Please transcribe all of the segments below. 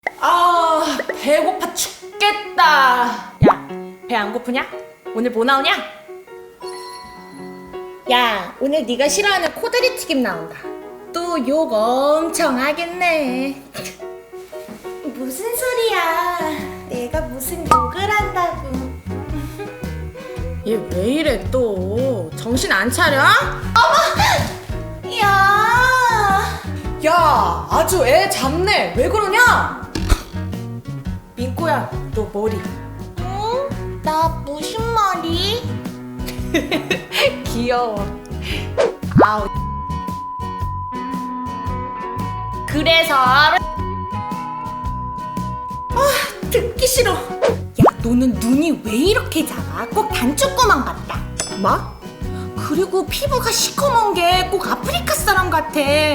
아, 배고파 죽겠다. 야, 배 안 고프냐? 오늘 뭐 나오냐? 야, 오늘 네가 싫어하는 코다리 튀김 나온다. 또 욕 엄청 하겠네. 무슨 소리야? 내가 무슨 욕을 한다고. 얘 왜 이래 또? 정신 안 차려? 야, 아주 애 잡네. 왜 그러냐? 민꼬야, 너 머리. 응? 나 무슨 말이? 귀여워. 아우. 그래서 듣기 싫어. 야, 너는 눈이 왜 이렇게 작아? 꼭 단추구멍 같다. 뭐? 그리고 피부가 시커먼 게 꼭 아프리카 사람 같아.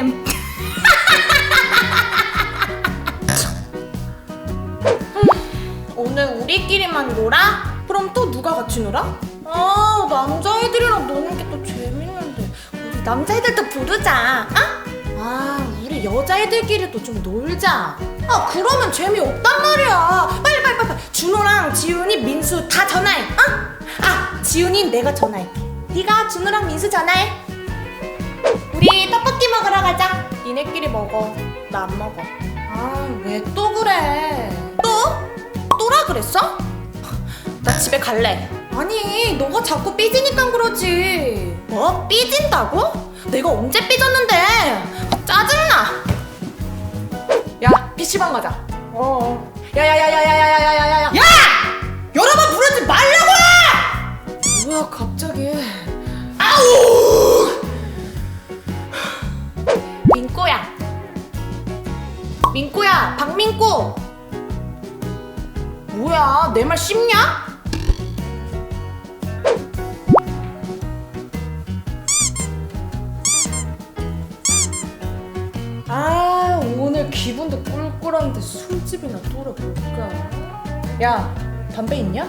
오늘 우리끼리만 놀아? 그럼 또 누가 같이 놀아? 아, 남자애들이랑 노는 게 또 재밌는데. 우리 남자애들도 부르자. 아, 우리 여자애들끼리도 좀 놀자. 아, 그러면 재미없단 말이야. 빨리. 준호랑 지훈이, 민수 다 전화해. 아, 지훈이 내가 전화할게. 네가 준호랑 민수 전화해. 우리 떡볶이 먹으러 가자. 니네끼리 먹어. 나 안 먹어. 아, 왜 또 그래? 또라 그랬어? 나 집에 갈래. 아니, 너가 자꾸 삐지니까 그러지. 뭐? 삐진다고? 내가 언제 삐졌는데? 짜증나. 야, PC방 가자. 야야야야야야야야야야. 야! 여러 번 부르지 말라고! 뭐야, 갑자기. 아우! 민꼬야, 박민꼬. 뭐야, 내 말 씹냐? 아, 오늘 기분도 꿀꿀한데 술집이나 뚫어볼까? 야, 담배 있냐?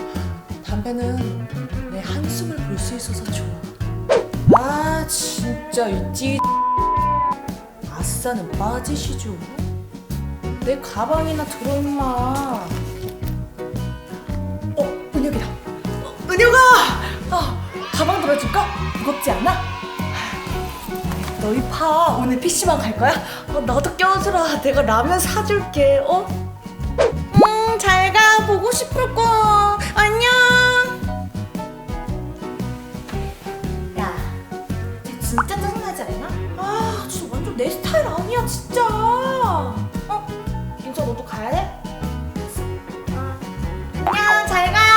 담배는 내 한숨을 볼 수 있어서 좋아. 아, 진짜 이 아싸는 빠지시죠? 내 가방이나 들어 임마. 은혁이다. 은혁아! 가방 들어줄까? 무겁지 않아? 너희 파 오늘 PC방 갈 거야? 나도 껴주라. 내가 라면 사줄게. 잘 가. 보고 싶을 거. 안녕. 야, 쟤 진짜 짜증나지 않나? 아, 진짜 완전 내 스타일 아니야, 진짜. 민서 너도 가야 돼? 안녕, 잘 가.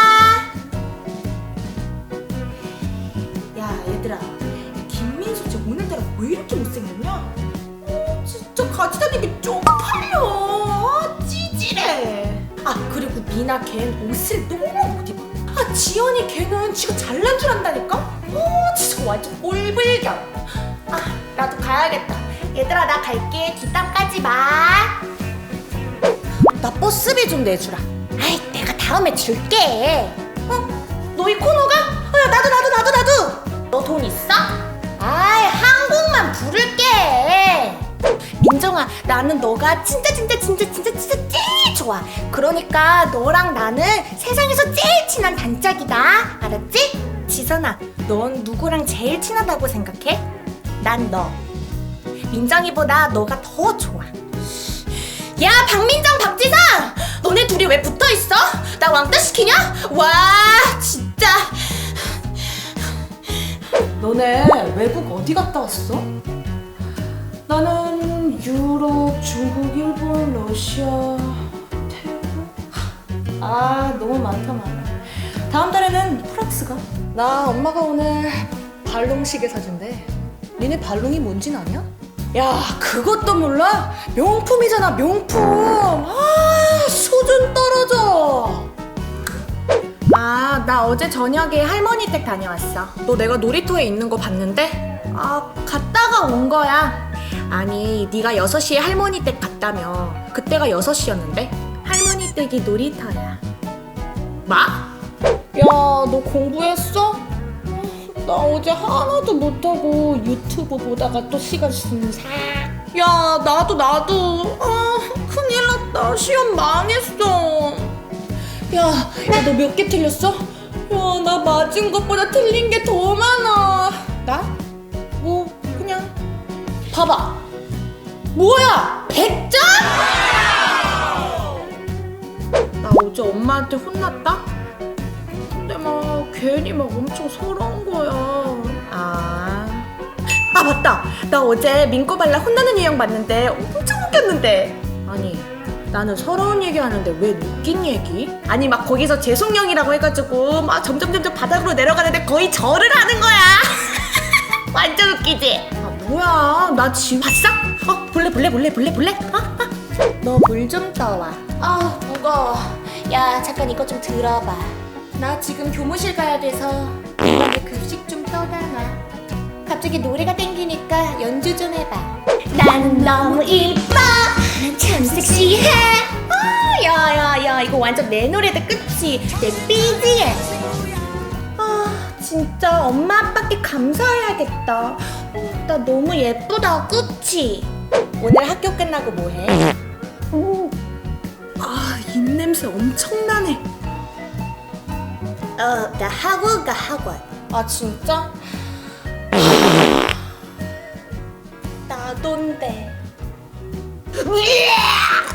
야, 얘들아. 김민수 쟤 오늘따라 왜 이렇게 못생겼냐? 진짜 같이 다니기 쪽팔려. 찌질해. 아, 그리고 미나 걔는 옷을 너무 못 입어. 아, 지연이 걔는 지가 잘난 줄 안다니까? 진짜 완전 꼴불견. 아, 나도 가야겠다. 얘들아, 나 갈게. 뒷담 까지 마. 나 버스비 좀 내주라. 아이, 내가 다음에 줄게. 너희 코너가? 야, 나도. 너 돈 있어? 아이, 한국만 부를게. 민정아, 나는 너가 진짜 제일 좋아. 그러니까 너랑 나는 세상에서 제일 친한 단짝이다. 알았지? 지선아, 넌 누구랑 제일 친하다고 생각해? 난 너. 민정이보다 너가 더 좋아. 야, 박민정, 박지상! 너네 둘이 왜 붙어있어? 나 왕따 시키냐? 와, 진짜. 너네 외국 어디 갔다 왔어? 나는 유럽, 중국, 일본, 러시아, 태국. 너무 많다. 다음 달에는 프랑스 가. 나 엄마가 오늘 발롱시계 사준대. 니네 발롱이 뭔진 아냐? 야, 그것도 몰라? 명품이잖아, 명품. 수준 떨어져. 나 어제 저녁에 할머니 댁 다녀왔어. 너 내가 놀이터에 있는 거 봤는데? 갔다가 온 거야. 아니, 네가 6시에 할머니 댁 갔다며. 그때가 6시였는데? 할머니 댁이 놀이터야. 뭐? 야, 너 공부했어? 나 어제 하나도 못하고 유튜브 보다가 또 시간 순삭. 야, 나도. 큰일 났다. 나 시험 망했어. 야, 너 몇 개 틀렸어? 야, 나 맞은 것보다 틀린 게 더 많아. 나? 뭐 그냥 봐봐. 뭐야? 100점? 나 어제 엄마한테 혼났다? 근데 막 괜히 막 엄청 서러운 거야. 아 맞다. 나 어제 민꼬발라 혼나는 유형 봤는데 엄청 웃겼는데. 아니 나는 서러운 얘기 하는데 왜 웃긴 얘기? 아니 막 거기서 재송령이라고 해가지고 막 점점 바닥으로 내려가는데 거의 절을 하는 거야. 완전 웃기지? 아 뭐야 나 지금 봤어? 볼래? 너 물 좀 떠와. 아 무거워. 야 잠깐 이거 좀 들어봐. 나 지금 교무실 가야 돼서 이번에 급식 좀 떠다놔. 갑자기 노래가 땡기니까 연주 좀 해봐. 나는 너무 이뻐. 난 참 섹시해. 야야야 이거 완전 내 노래다 그치? 내 BGM. 진짜 엄마 아빠께 감사해야겠다. 나 너무 예쁘다 그치? 오늘 학교 끝나고 뭐해? 입냄새 엄청나네. 나 학원 가 학원. 아 진짜? 나돈데.